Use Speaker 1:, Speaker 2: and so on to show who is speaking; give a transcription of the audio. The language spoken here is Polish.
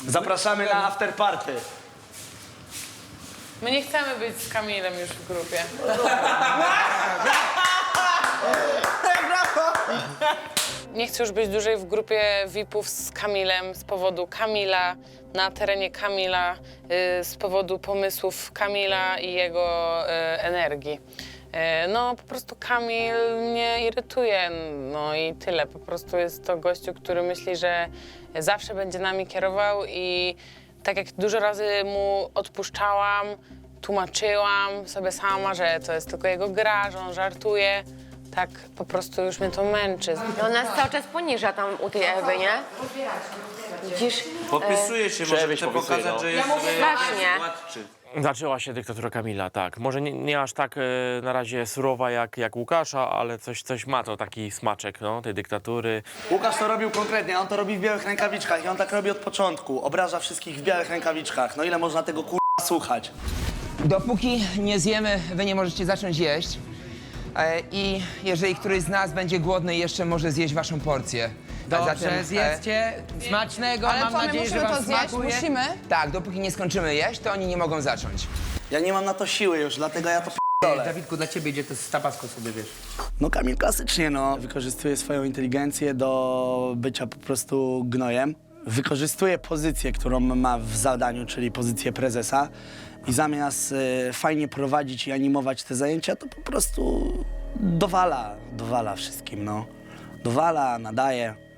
Speaker 1: Zapraszamy na afterparty.
Speaker 2: My nie chcemy być z Kamilem już w grupie. Nie chcę już być dłużej w grupie VIP-ów z Kamilem z powodu Kamila, na terenie Kamila, z powodu pomysłów Kamila i jego energii. No po prostu Kamil mnie irytuje, no i tyle. Po prostu jest to gościu, który myśli, że zawsze będzie nami kierował i tak jak dużo razy mu odpuszczałam, tłumaczyłam sobie sama, że to jest tylko jego gra, że on żartuje. Tak po prostu już mnie to męczy.
Speaker 3: No nas cały czas poniża tam u tej Ewy, nie? Widzisz?
Speaker 4: Popisuje się, może
Speaker 1: Przebyś
Speaker 4: chce
Speaker 1: popisuje,
Speaker 4: pokazać,
Speaker 1: no.
Speaker 4: że jest
Speaker 3: strasznie.
Speaker 4: władczy.
Speaker 5: Zaczęła się dyktatura Kamila, tak. Może nie aż tak na razie surowa jak Łukasza, ale coś ma to taki smaczek, no, tej dyktatury.
Speaker 1: Łukasz to robił konkretnie, on to robi w białych rękawiczkach i on tak robi od początku. Obraża wszystkich w białych rękawiczkach. No ile można tego słuchać?
Speaker 6: Dopóki nie zjemy, wy nie możecie zacząć jeść. I jeżeli któryś z nas będzie głodny, jeszcze może zjeść waszą porcję. A
Speaker 7: Dobrze,
Speaker 6: zatem,
Speaker 7: zjedzcie. Smacznego,
Speaker 8: Ale
Speaker 7: mam
Speaker 8: co, my
Speaker 7: nadzieję, że
Speaker 8: musimy
Speaker 7: wam
Speaker 8: to zjeść?
Speaker 7: smakuje.
Speaker 8: Musimy?
Speaker 6: Tak, dopóki nie skończymy jeść, to oni nie mogą zacząć.
Speaker 1: Ja nie mam na to siły już, dlatego ja to p***dolę.
Speaker 7: Dawidku, dla ciebie idzie to z tabasco sobie, wiesz.
Speaker 1: No Kamil klasycznie, no. Wykorzystuje swoją inteligencję do bycia po prostu gnojem. Wykorzystuje pozycję, którą ma w zadaniu, czyli pozycję prezesa. I zamiast fajnie prowadzić i animować te zajęcia, to po prostu dowala wszystkim, no. Dowala, nadaje.